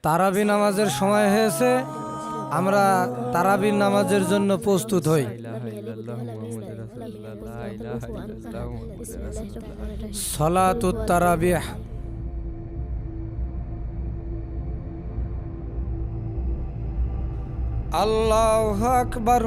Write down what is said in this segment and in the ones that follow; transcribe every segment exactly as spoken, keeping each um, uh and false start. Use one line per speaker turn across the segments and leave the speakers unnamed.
তারাবি নামাজের সময় হয়েছে, আমরা তারাবি নামাজের জন্য প্রস্তুত হই। সালাতুত তারাবিহ। আল্লাহু আকবার।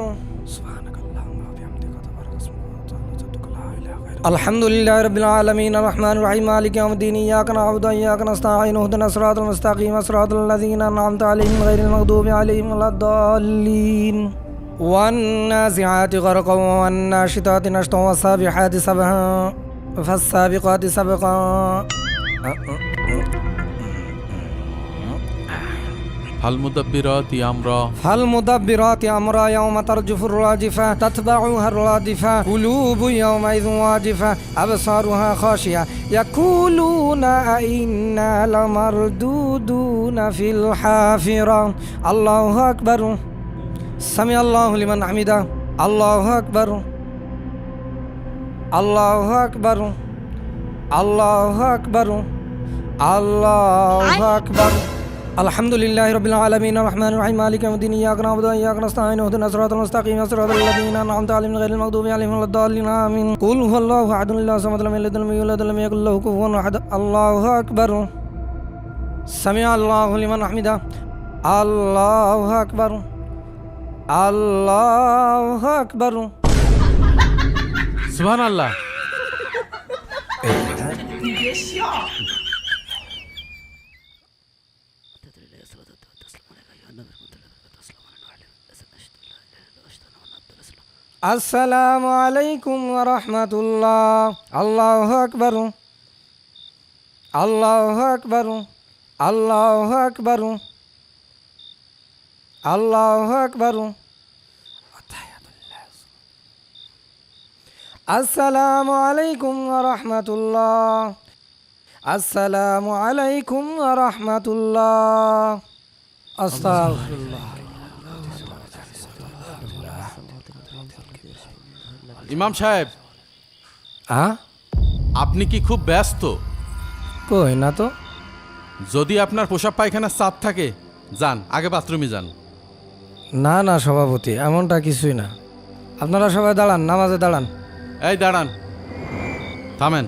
আলহামদুলিল্লাহি রাব্বিল আলামিন আর রহমানির রহিম মালিকি ইয়াউমিদ্দিন ইয়াকা না'বুদু ওয়া ইয়াকা নাস্তাঈন ইহদিনাস সিরাতাল মুস্তাকিম সিরাতাল লাযীনা আন'আমতা আলাইহিম গায়রিল মাগদুবি আলাইহিম ওয়ালাদ-দাল্লিন। ওয়ান নাযিআতি গরকান ওয়ান নাশিতাতি নাশতান ওয়াস সাবিহাতি সাবহা ফাস সাবিকাতি সাবকা।
ফালমুদাব্বিরাতি আমরা
ফালমুদাব্বিরাতি আমরা ইয়াওমা তারজুফুর রাজিফা তাতবাউহা রাদিফা কুলুবু ইয়াওমাইযিন ওয়াজিফা আবসারুহা খাশিয়া ইয়াকুলুনা আইন্না লামারদুদুনা ফিল হাফিরা। আল্লাহু আকবার। সামি আল্লাহু লিমান হামিদা। আল্লাহু আকবার। আল্লাহু আকবার। আল্লাহু আকবার। আল্লাহু আকবার। আলহামদুলিল্লাহি রাব্বিল আলামিন আর রহমানির রহিম মালিকি ইয়াউমিদ্দিন ইয়াকা না'বুদু ওয়া ইয়াকা নাস্তাঈন ইহদিনাস সিরাতাল মুস্তাকিম সিরাতাল লাযীনা আন'আমতা আলাইহিম গায়রিল মাগদুবি আলাইহিম ওয়ালাদ-দাল্লিন। আমিন। কুল হুয়াল্লাহু আহাদ আল্লাহু সামাদ লাম ইয়ালিদ ওয়া লাম ইউলাদ ওয়া লাম ইয়াকুল লাহু কুফুওয়ান আহাদ। আল্লাহু আকবার। সামিআ আল্লাহু লিমান হামিদা। আল্লাহু আকবার। আল্লাহু আকবার।
সুবহানাল্লাহ।
আসসালামু আলাইকুম ওয়া রাহমাতুল্লাহ। আল্লাহু আকবার। আল্লাহু আকবার। আল্লাহু আকবার। আল্লাহু আকবার। আসসালামু আলাইকুম ওয়া রাহমাতুল্লাহ। আসসালামু আলাইকুম ওয়া রাহমাতুল্লাহ। আস্তাগফিরুল্লাহ।
ইমাম সাহেব,
হ্যাঁ,
আপনি কি খুব ব্যস্ত?
কই না তো।
যদি আপনার পোশাক পায়খানার চাপ থাকে, যান আগে বাথরুমে যান।
না না সভাপতি, এমনটা কিছুই না। আপনারা সবাই দাঁড়ান, নামাজে দাঁড়ান।
এই দাঁড়ান, থামেন।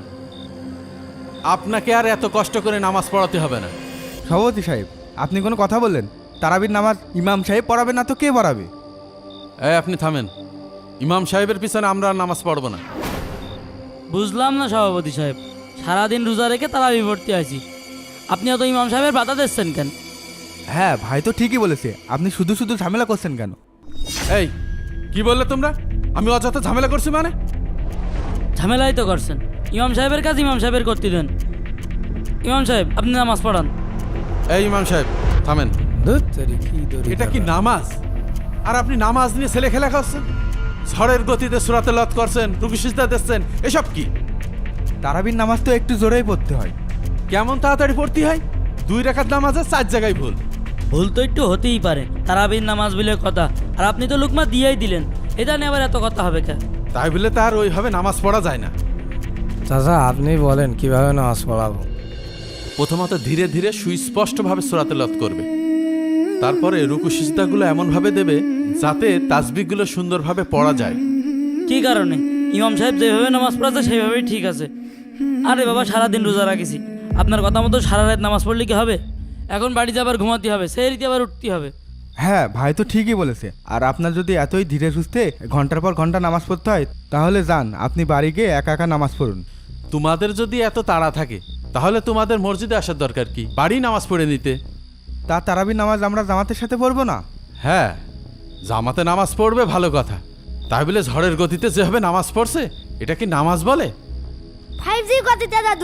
আপনাকে আর এত কষ্ট করে নামাজ পড়াতে হবে না।
সভাপতি সাহেব, আপনি কোনো কথা বললেন? তারাবির নামাজ ইমাম সাহেব পড়াবে না তো কে পড়াবে?
এই আপনি থামেন। ইমাম সাহেবের পিছনে আমরা আর নামাজ পড়ব না।
বুঝলাম না সভাপতি সাহেব, সারাদিন রোজা রেখে তারাবি পড়তে আছি, আপনি অত ইমাম সাহেবের বাধা দিচ্ছেন কেন?
হ্যাঁ ভাই তো ঠিকই বলেছে, আপনি শুধু শুধু ঝামেলা করছেন কেন?
এই কি বললে তোমরা? আমি অযথা ঝামেলা করছি মানে?
ঝামেলাই তো করছেন। ইমাম সাহেবের কাজ ইমাম সাহেবের করতে দেন। ইমাম সাহেব, আপনি নামাজ পড়ান।
এই ইমাম সাহেব থামেন।
ধুৎ তেরি, কি দড়ি
এটা কি নামাজ? আর আপনি নামাজ নিয়ে ছেলে খেলা করছেন, ঝড়ের গতিতে সূরাতে লত করছেন, রুকু সিজদা দিচ্ছেন, এসব কি?
তারাবির নামাজ তো একটু জোরেই পড়তে হয়।
কেমন তাড়াতাড়ি পড়তে হয়? দুই রাকাত নামাজে চার জায়গায় ভুল।
ভুল তো একটু হতেই পারে, তারাবির নামাজ বলে কথা। আর আপনি তো লুকমা দিয়েই দিলেন, এটা নিয়ে আবার এত কথা হবে কেন?
তাই বলে তার ওইভাবে নামাজ পড়া যায় না।
চাচা আপনি বলেন কিভাবে নামাজ পড়াবো?
প্রথমত ধীরে ধীরে সুস্পষ্টভাবে সূরাতে লত করবে, তারপরে রুকু সিজদাগুলো এমনভাবে দেবে যাতে তাসবিহগুলো সুন্দরভাবে পড়া যায়।
কি কারণে? ইমাম সাহেব যেভাবে নামাজ পড়াচ্ছে সেইভাবেই ঠিক আছে। আরে বাবা, সারাদিন রোজা রাখিছি, আপনার কথা মতো সারা রাত নামাজ পড়লে কি হবে? এখন বাড়িতে আবার ঘুমাতে হবে, সেই রীতি আবার উঠতে হবে।
হ্যাঁ ভাই তো ঠিকই বলেছে। আর আপনার যদি এতই ধীরে সুস্থে ঘন্টার পর ঘন্টা নামাজ পড়তে হয়, তাহলে যান আপনি বাড়ি গিয়ে একা একা নামাজ পড়ুন।
তোমাদের যদি এত তাড়া থাকে তাহলে তোমাদের মসজিদে আসার দরকার কি? বাড়ি নামাজ পড়ে নিতে।
তা তারাবির নামাজ আমরা জামাতের সাথে পড়বো না?
হ্যাঁ, জামাতে নামাজ পড়বে ভালো কথা, তাই বলে ঝড়ের গতিতে যেভাবে নামাজ পড়ছে এটা কি নামাজ বলে?
ফাইভ জির গতিতে দাদু।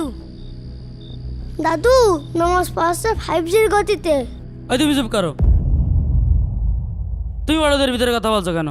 দাদু নামাজ পড়ছে ফাইভ জির গতিতে।
ওই তুমি চুপ করো, তুমি বড়দের ভিতরে কথা বলছো কেন?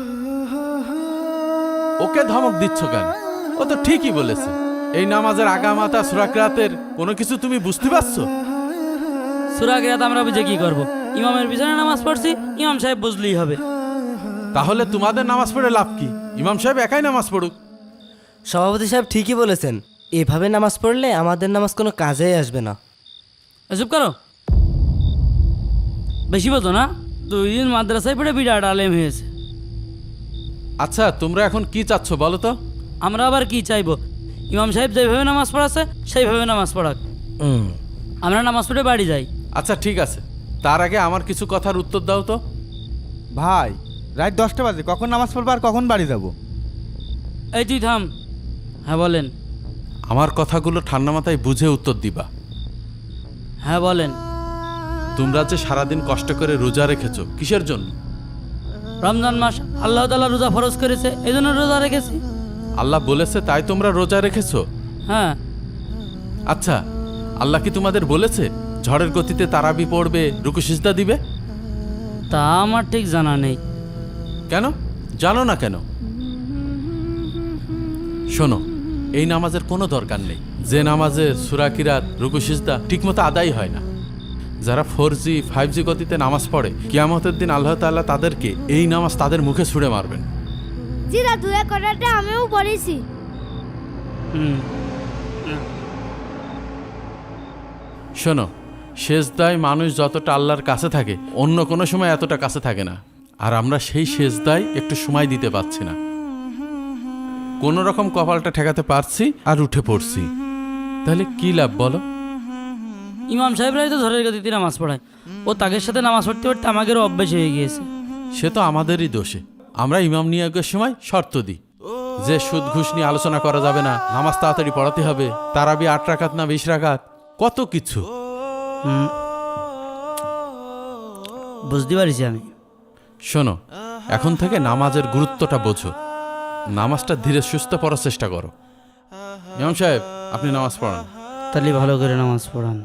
ওকে ধমক দিচ্ছ কেন? ও তো ঠিকই বলেছে। এই নামাজের আগামাতা সূরা কিরাতের কোনো কিছু তুমি বুঝতে পারছো?
সূরা কিরাত আমরা বুঝে কি করবো? ইমামের পিছনে নামাজ পড়ছি, ইমাম সাহেব বুঝলেই হবে।
তাহলে তোমাদের নামাজ পড়ে লাভ কি? ইমাম সাহেব একাই নামাজ পড়ুক।
সভাপতি সাহেব ঠিকই বলেছেন, এভাবে নামাজ পড়লে আমাদের নামাজ কোনো কাজেই আসবে না।
চুপ করো। বেশি বোঝো না, দুই দিন মাদ্রাসায় পড়ে বিরাট আলেম হয়েছে।
আচ্ছা তোমরা এখন কি চাচ্ছ বলো তো?
আমরা আবার কি চাইবো? ইমাম সাহেব যেভাবে নামাজ পড়াচ্ছে সেইভাবে নামাজ পড়াক,
হুম।
আমরা নামাজ পড়ে বাড়ি যাই।
আচ্ছা ঠিক আছে, তার আগে আমার কিছু কথার উত্তর দাও তো।
ভাই রাত দশটা বাজে, কখন নামাজ পড়বো আর কখন বাড়ি যাব?
এই তুই থাম। হ্যাঁ বলেন।
আমার কথাগুলো ঠান্ডা মাথায় বুঝে উত্তর দিবা।
হ্যাঁ বলেন।
তোমরা যে সারাদিন কষ্ট করে রোজা রেখেছো কিসের জন্য?
রমজান মাস আল্লাহ তাআলা রোজা ফরজ করেছে, এই জন্য রোজা রেখেছি।
আল্লাহ বলেছে তাই তোমরা রোজা রেখেছো?
হ্যাঁ।
আচ্ছা আল্লাহ কি তোমাদের বলেছে ঝড়ের গতিতে তারাবি পড়বে, রুকু সিজদা দিবে?
তা আমার ঠিক জানা নেই।
কেন জানো না কেন? শোনো, এই নামাজের কোনো দরকার নেই যে নামাজে সূরা কিরাত, রুকু সিজদা ঠিকমতো আদায় হয় না। যারা ফোর জি ফাইভ জি গতিতে নামাজ পড়ে, কিয়ামতের দিন আল্লাহ তাআলা তাদেরকে এই নামাজ তাদের মুখে ছুঁড়ে মারবেন।
জি দাদু, এ কথাটা আমিও পড়েছি।
হুম।
শোনো, সেজদায় মানুষ যতটা আল্লাহর কাছে থাকে অন্য কোনো সময় এতটা কাছে থাকে না, আর আমরা সেই সেজদায় একটু সময় দিতে পারছি না। কোনো রকম কপালটা ঠেকাতে পারছি আর উঠে পড়ছি, তাহলে কি লাভ বলো?
ইমাম সাহেবরাই তো ঝড়ের গতিতে নামাজ পড়ায়, ও তাদের সাথে নামাজ পড়তে পড়তে আমাদেরও অভ্যেস হয়ে গিয়েছে।
সে তো আমাদেরই দোষে। আমরা ইমাম নিয়োগের সময় শর্ত দিই যে সুদ ঘুষ নিয়ে আলোচনা করা যাবে না, নামাজ তাড়াতাড়ি পড়াতে হবে, তারাবি আট রাকাত না বিশ রাকাত, কত কিছু।
হুম, বুঝতে পারছি আমি।
শোনো, এখন থেকে নামাজের গুরুত্বটা বোঝো, নামাজটা ধীরে সুস্থ পড়ার চেষ্টা করো। ইমাম সাহেব আপনি নামাজ পড়ান।
তাহলে ভালো করে নামাজ পড়ান।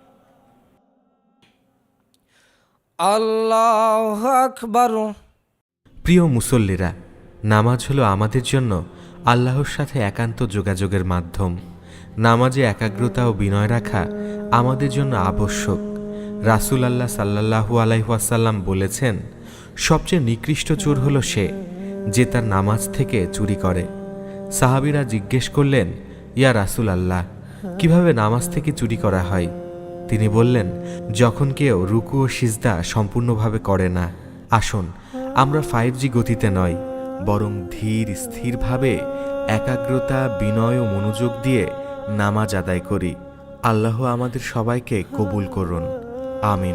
আল্লাহু আকবার।
প্রিয় মুসল্লিরা, নামাজ হলো আমাদের জন্য আল্লাহর সাথে একান্ত যোগাযোগের মাধ্যম। নামাজে একাগ্রতা ও বিনয় রাখা আমাদের জন্য আবশ্যক। রাসূল আল্লাহ সাল্লাল্লাহু আলাইহি ওয়াসাল্লাম বলেছেন, সবচেয়ে নিকৃষ্ট চোর হলো সে যে তার নামাজ থেকে চুরি করে। সাহাবীরা জিজ্ঞেস করলেন, ইয়া রাসূল আল্লাহ, কিভাবে নামাজ থেকে চুরি করা হয়? তিনি বললেন, যখন কেউ রুকু ও সিজদা সম্পূর্ণভাবে করে না। আসুন আমরা ফাইভ জি গতিতে নয়, বরং ধীর স্থিরভাবে একাগ্রতা, বিনয় ও মনোযোগ দিয়ে নামাজ আদায় করি। আল্লাহ আমাদের সবাইকে কবুল করুন, আমিন।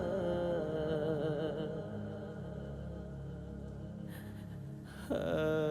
Uh...